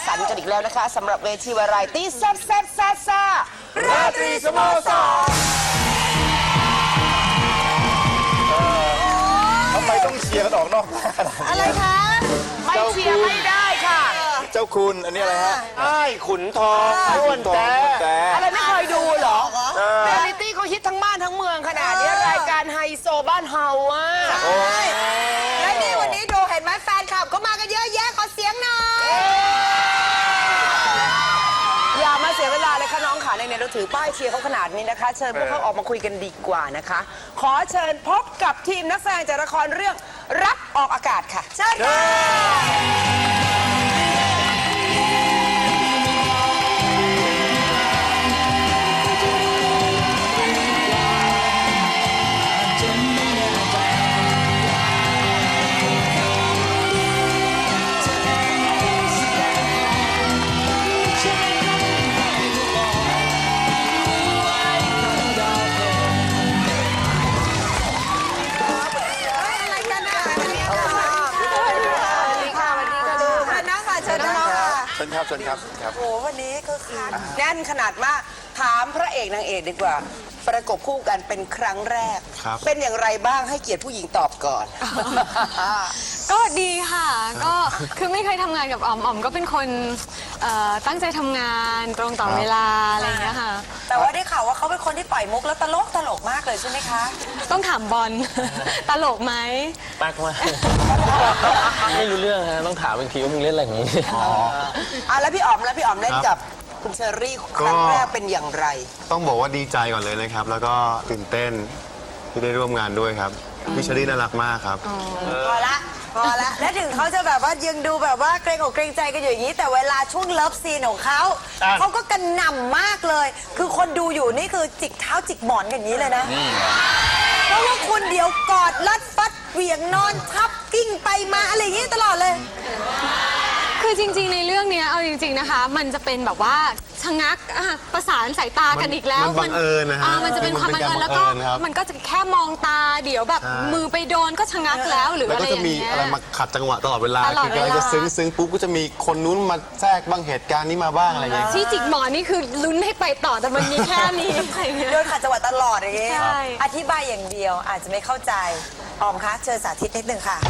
สรรค์กันอีกแล้วนะคะสำหรับเวทีวาไรตี้แซ่บแซ่บซ่าซ่าราตรีสโมสรทำไมต้องเชียร์กันออกนอกอะไรคะไม่เชียร์ไม่ได้ค่ะเจ้าคุณอันนี้อะไรฮะไอ้ขุนทองอ้วนแต่อะไรไม่เคยดูเหรอเรียลลิตี้เขาฮิตทั้งบ้านทั้งเมืองขนาดนี้รายการไฮโซบ้านเฮาอ่ะและนี่วันนี้ดูเห็นไหมแฟนคลับก็มากันเยอะแยะขอเสียงหน่อยอย่ามาเสียเวลาเลยค่ะน้องค่ะในเราถือป้ายเชียร์เขาขนาดนี้นะคะเชิญพวกเขาออกมาคุยกันดีกว่านะคะขอเชิญพบกับทีมนักแสดงจากละครเรื่องรักออกอากาศค่ะเชิญค่ะเชิญครับโอ้วันนี้ก็คือแน่นขนาดมากถามพระเอกนางเอกดีกว่าประกบคู่กันเป็นครั้งแรกเป็นอย่างไรบ้างให้เกียรติผู้หญิงตอบก่อนก็ดีค่ะก็คือไม่เคยทำงานกับอ๋อมก็เป็นคนตั้งใจทำงานตรงต่อเวลาอะไรอย่างเงี้ยค่ะแต่ว่าได้ข่าวว่าเขาเป็นคนที่ปล่อยมุกแล้วตลกมากเลยใช่ไหมคะต้องถามบอล ตลกไหมปักมากไม่รู้เรื่องฮะต้องถามอีกทีว่ามึงเล่นอะไรของมึงแล้วพี่อ๋อมเล่นกับคุณเชอรี่ครั้งแรกเป็นอย่างไรต้องบอกว่าดีใจก่อนเลยนะครับแล้วก็ตื่นเต้นที่ได้ร่วมงานด้วยครับพี่เชอรี่น่ารักมากครับพอละและถึงเขาจะแบบว่ายังดูแบบว่าเกรงอกเกรงใจกันอยู่อย่างนี้แต่เวลาช่วงเลิฟซีนของเขาก็กระหน่ำมากเลยคือคนดูอยู่นี่คือจิกเท้าจิกหมอนกันอย่างนี้เลยนะเพราะว่าคุณเดี๋ยวกอดลัดฟัดเหวี่ยงนอนทับกิ้งไปมาอะไรอย่างนี้ตลอดเลยคือจริงๆในเรื่องนี้เอาจริงๆนะคะมันจะเป็นแบบว่าชะงักประสานสายตากันอีกแล้วมันบังเอิญนะฮะมันจะเป็นความบังเอิญแล้วก็มันก็จะแค่มองตาเดี๋ยวแบบมือไปโดนก็ชะงักแล้วหรืออะไรอย่างเงี้ยแล้วก็จะมีอะไรมาขัดจังหวะตลอดเวลาคือกำลังจะซึ้งปุ๊บก็จะมีคนนู้นมาแทรกบ้างเหตุการณ์นี้มาบ้างอะไรอย่างเงี้ยที่จิกหมอนนี่คือลุ้นให้ไปต่อแต่มันมีแค่นี้โดนขัดจังหวะตลอดอย่างเงี้ยอธิบายอย่างเดียวอาจจะไม่เข้าใจออมคะเชิญสาธิตนิดนึงค่ะ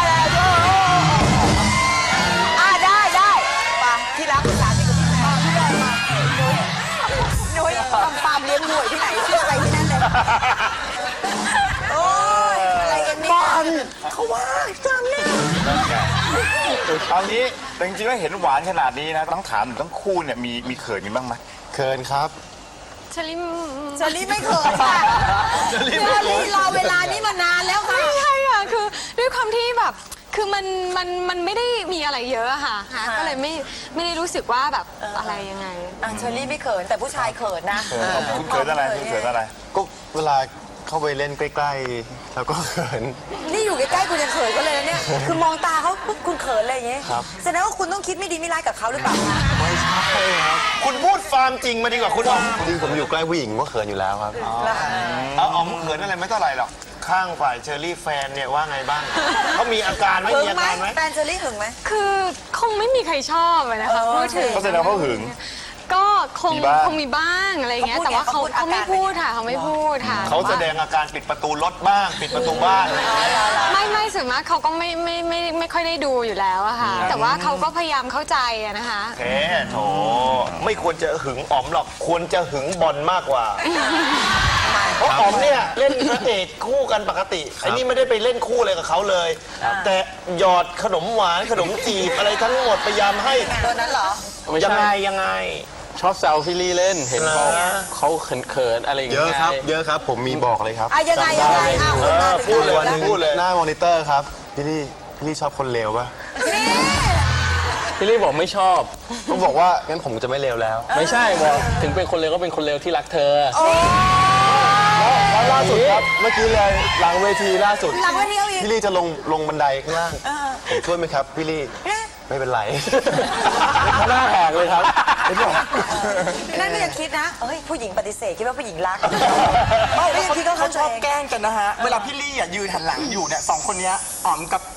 ได้มาที่รักสาธิตกับพี่มานุ้ยปามเลี้ยงหน่วยที่ไหนเชื่ออะไรที่นั่นเลยโอ้ยอะไรกันเนี่ยเขาว่าจำเนี่ยเอางี้แต่จริงๆแล้วเห็นหวานขนาดนี้นะต้องถามทั้งคู่เนี่ยมีเขินกันบ้างไหมเขินครับเชอรี่ไม่เขินค่ะเชอรี่รอเวลานี้มานานแล้วค่ะไม่ใช่ค่ะคือด้วยความที่แบบคือมันไม่ได้มีอะไรเยอะค่ะก็เลยไม่ได้รู้สึกว่าแบบอะไรยังไงเชอรี่ไม่เขินแต่ผู้ชายเขินนะคุณเขินอะไรก็เวลาเข้าไปเล่นใกล้ๆแล้วก็เขินนี่อยู่ใกล้ๆคุณยังเขินก็เลยนะเนี่ยคือมองตาเขาปุ๊บคุณเขินอะไรอย่างเงี้ยแสดงว่าคุณต้องคิดไม่ดีไม่ร้ายกับเขาหรือเปล่าไม่ใช่ครับคุณพูดความจริงมาดีกว่าคุณอ๋อมจริงผมอยู่ใกล้ผู้หญิงก็เขินอยู่แล้วครับอ๋อมเขินอะไรไม่เท่าไหร่หรอกข้างฝ่ายเชอรี่แฟนเนี่ยว่าไงบ้างเขามีอาการไม่มีอาการไหมแฟนเชอรี่หึงไหมคือคงไม่มีใครชอบนะคะพูดถึงเขาแสดงเขาหึงก็คงมีบ้างอะไรเงี้ยแต่ว่าเขาไม่พูดค่ะเขาไม่พูดค่ะเขาแสดงอาการปิดประตูรถบ้างปิดประตูบ้านไม่ส่วนมากเขาก็ไม่ค่อยได้ดูอยู่แล้วอะค่ะแต่ว่าเขาก็พยายามเข้าใจอะนะคะโถไม่ควรจะหึงอ๋อมหรอกควรจะหึงบอลมากกว่าเพราะอ๋อมเนี่ยเล่นพระเอกคู่กันปกติไอ้นี่ไม่ได้ไปเล่นคู่อะไรกับเขาเลยแต่หยอดขนมหวานขนมจีบอะไรทั้งหมดพยายามให้ตัวนั้นเหรอยังไงชอบแซวพี่ลี่เล่นเห็นเขาเขินอะไรอย่างเงี้ยเยอะครับผมมีบอกเลยครับยังไงพูดเลยหน้ามอนิเตอร์ครับพี่ลี่ชอบคนเลวป่ะพี่ลี่บอกไม่ชอบก็บอกว่างั้นผมจะไม่เลวแล้วไม่ใช่บอกถึงเป็นคนเลวก็เป็นคนเลวที่รักเธอแล้วล่าสุดครับเมื่อกี้เลยหลังเวทีล่าสุดพี่ลี่จะลงบันไดข้างล่างผมช่วยไหมครับพี่ลี่ไม่เป็นไรหน้าแหกเลยครับนั่นก็ยังคิดนะผู้หญิงปฏิเสธคิดว่าผู้หญิงรักเขาชอบแกล้งกันนะฮะเวลาพี่ลี่ยืนหันหลังอยู่เนี่ยสองคนนี้อ๋อมกับ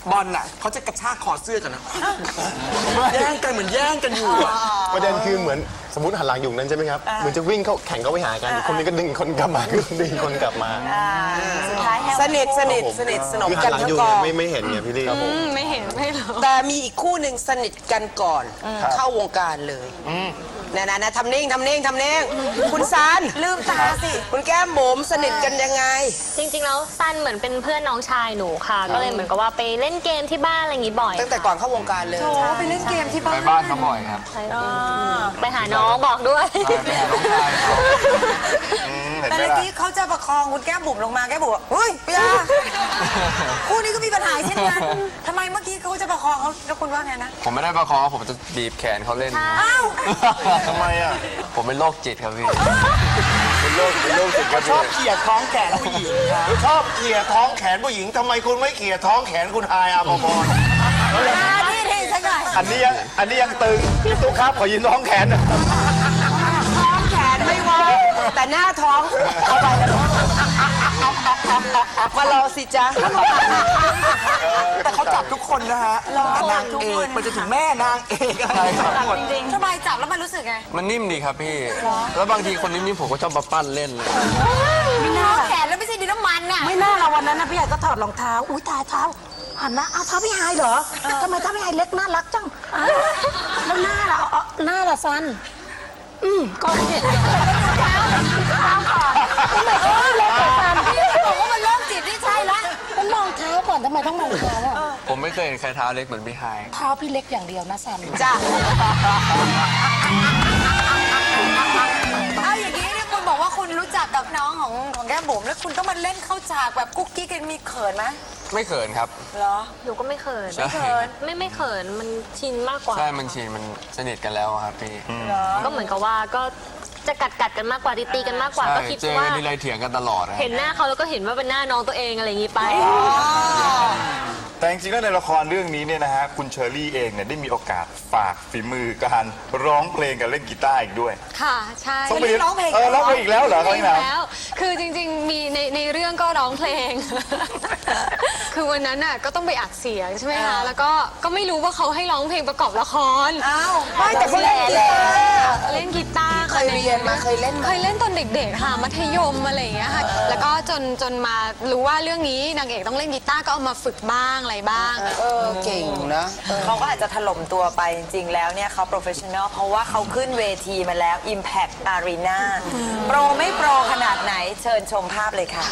บอลน่ะเขาจะกระชากคอเสื้อกันนะแย่งกันเหมือนแย่งกันอยู่อะประเด็นคือเหมือนสมมติหันหลังอยู่นั้นใช่ไหมครับเหมือนจะวิ่งเข้าแข่งเข้าไปหากันคนนี้ก็ดึงคนกลับมาดึงคนกลับมาสุดท้ายแฮปสนิทสนมคือหักัน นหลังทั้อง ยู่กอเนี่ยงไม่เห็นไงพี่ลี่ไม่เห็นไม่รู้แต่มีอีกคู่หนึ่งสนิทกันก่อนเข้าวงการเลยนะทำนิ่งคุณซันลืมตาสิคุณแก้มบุ๋มสนิทกันยังไงจริงๆ แล้วซันเหมือนเป็นเพื่อนน้องชายหนูค่ะ ก็เลยเหมือนกับว่าไปเล่นเกมที่บ้านอะไรอย่างงี้บ่อยตั้งแต่ก่อนเข้าวงการเลยโอ้ไปเล่นเกมที่บ้านไปบ้านเขาบ่อยครับไปหาน้องบอกด้วยไปหาน้องชายเขาแต่เมื่อกี้เขาจะประคองคุณแก้มบุ๋มลงมาแก้มบุ๋มบอกเฮ้ยพี่อาคู่นี้ก็มีปัญหาเช่นกันทำไมเมื่อกี้เขาจะประคองเขาแล้วคุณว่าไงนะผมไม่ได้ประคองผมจะบีบแขนเขาเล่นอ้าวทำไมอ่ะผมเป็นโรคจิตครับพี่เป็นโรคจิตครับชอบเขี่ยท้องแขนผู้หญิงครับชอบเขี่ยท้องแขนผู้หญิงทำไมคุณไม่เขี่ยท้องแขนคุณฮายอาภพรนี่สักหน่อยอันนี้ยังตึงพี่ตุ๊กครับขอยืนท้องแขนหน่อยท้องแขนไม่ว่าแต่หน้าท้องเอาไปมาลองสิจ๊ะแต่เขาจับทุกคนนะฮะแต่นางเอกมันจะถึงแม่นางเอกอะไรทั้งหมดทำไมจับแล้วมันรู้สึกไงมันนิ่มดีครับพี่ แล้วบางทีคนนิ่มๆผมก็ชอบมาปั้นเล่นเลยท้องแขนแล้วไม่ใช่ดินน้ำมันน่ะไม่น่าเราวันนั้นนะพี่ใหญ่ก็ถอดรองเท้า อุ้ยตายเท้าหันนะเอาเท้าพี่ไฮายเหรอทำไมเท้าพี่ไฮายเล็กน่ารักจังอ้าวแล้วหน้าล่ะหน้าล่ะซันก็เห็นเท้าก่อนทำไมเท้าเล็กกว่าซันบอกว่ามันโรคจิตนี่ใช่ละต้องมองเท้าก่อนทำไมต้องมองเท้าอ่ะผมไม่เคยเห็นใครเท้าเล็กเหมือนพี่ไฮายเท้าพี่เล็กอย่างเดียวนะซันจ้ะเอาอย่างนี้เนี่ยคุณบอกว่าคุณรู้จักกับน้องของแก้มบุ๋มแล้วคุณต้องมาเล่นเข้าฉากแบบกุ๊กกิ๊กกันมีเขินไหมไม่เขินครับเหรอหนูก็ไม่เขินใช่ไม่เขิน มันชินมากกว่าใช่มันชินมันสนิทกันแล้วอะครับพี่ก็เหมือนกับว่าก็จะกัดกันมากกว่าตีกันมากกว่าใช่ก็คิดเจอว่ากันทีไรเถียงกันตลอดนะเห็นหน้าเขาแล้วก็เห็นว่าเป็นหน้าน้องตัวเองอะไรอย่างงี้ไปแต่จริงๆแล้วในละครเรื่องนี้เนี่ยนะฮะคุณเชอรี่เองเนี่ยได้มีโอกาสฝากฝีมือการร้องเพลงกับเล่นกีตาร์อีกด้วยค่ะ ใช่ต้องไปร้องเพลงร้องเพลงอีกแล้วเหรอเขาอีกแล้วแล้ว คือจริงๆ มีในเรื่องก็ร้องเพลง คือวันนั้นน่ะก็ต้องไปอัดเสียงใช่ไหมคะ แล้วก็ไม่รู้ว่าเขาให้ร้องเพลงประกอบละครอ้าวไม่แต่เขาเล่นกีตาร์เล่นกีตาร์เคยเรียนมาเคยเล่นมาเคยเล่นตอนเด็กๆค่ะมัธยมอะไรอย่างเงี้ยค่ะแล้วก็จนมารู้ว่าเรื่องนี้นางเอกต้องเล่นกีตาร์ก็เอามาฝึกบ้างอะไรบ้างเก่งนะเขาก็อาจจะถล่มตัวไปจริงๆแล้วเนี่ยเขาโปรเฟชชั่นอลเพราะว่าเขาขึ้นเวทีมาแล้ว Impact Arena โปรไม่โปรขนาดไหนเชิญชมภาพเลยค่ะ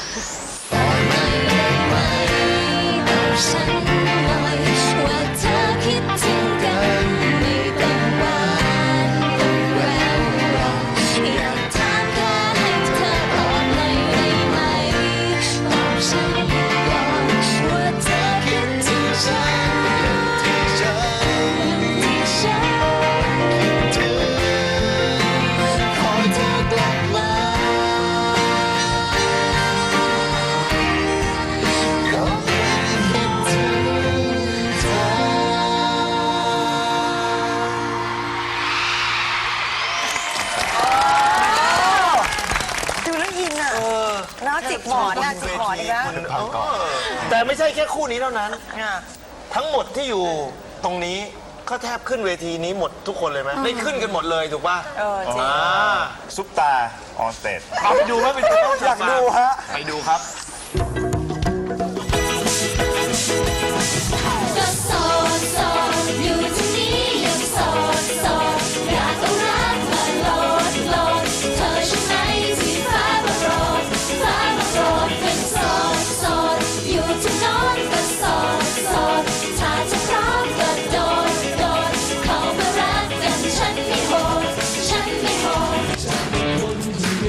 ฉันหน่อยว่าเธอคิดถึงกันไม่ต้องหวานต้องแวววาวอยากถามแค่ให้เธอตอบหน่อยได้ไหมบอกฉันก่อนว่าเธอคิดถึงฉันที่ฉันคิดถึงขอเธอกลับมาดูแล้วอินอ่ะเนาะจิกหมอนอ่ะจิกหมอนอีกแล้วแต่ไม่ใช่แค่คู่นี้เท่านั้นอ่ะทั้งหมดที่อยู่ตรงนี้ก็แทบขึ้นเวทีนี้หมดทุกคนเลยไหมได้ขึ้นกันหมดเลยถูกป่ะจริงซุปตาออนสเตจเอาไปดูไหมไปดูอยากดูฮะไปดูครับก็โสดโสดอยู่ที่นี้ยังโสดโสดอยากเอารักมาโหลดโหลดเธอใช่ไหมที่ฟ้ามาโปรดฟ้ามาโปรดเป็นโสดโสดอยู่ที่โน้นก็โสดโสดถ้าจะพร้อมก็โดดโดดเข้ามารักกันฉันไม่โหดฉันไม่โหด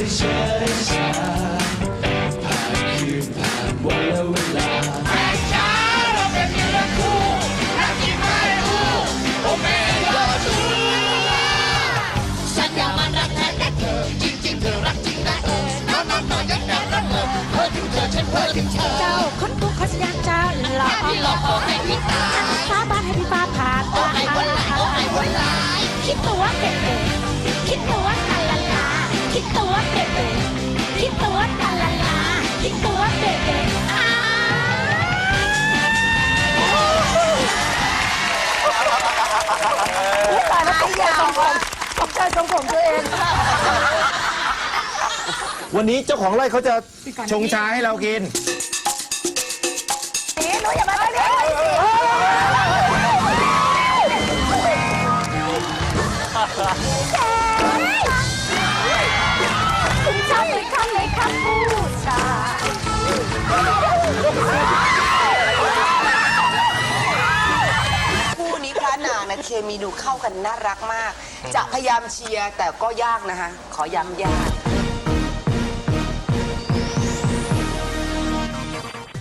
ฉันอยากมันรักแท้แต่เธอจริงๆเธอรักจริงนะน้องๆยังอยากรักเธอเพ้อถึงเธอฉันเพ้อถึงเธอเจ้าคนทุกคนอยากเจ้าหล่อพี่หล่อขอให้พี่ตาฟ้าบ้านให้พี่ฟ้าผ่านโอ้ให้วันละโอ้ให้วันละคิดตัวเป็นเองคิดตัวตะละลาคิดตัวเป็นเองคิดตัวตะละลาคิดตัวเป็นเองตายแล้วตกใจทรงผมตกใจทรงผมตัวเองวันนี้เจ้าของไร่เขาจะชงชาให้เรากินนี่หนูอย่ามาตรงนี้คุณชอบเลยครับเลยครับผู้ชายคู่นี้พระนางนะเคมีดูเข้ากันน่ารักมาก จะพยายามเชียร์แต่ก็ยากนะคะ ขอย้ำยาก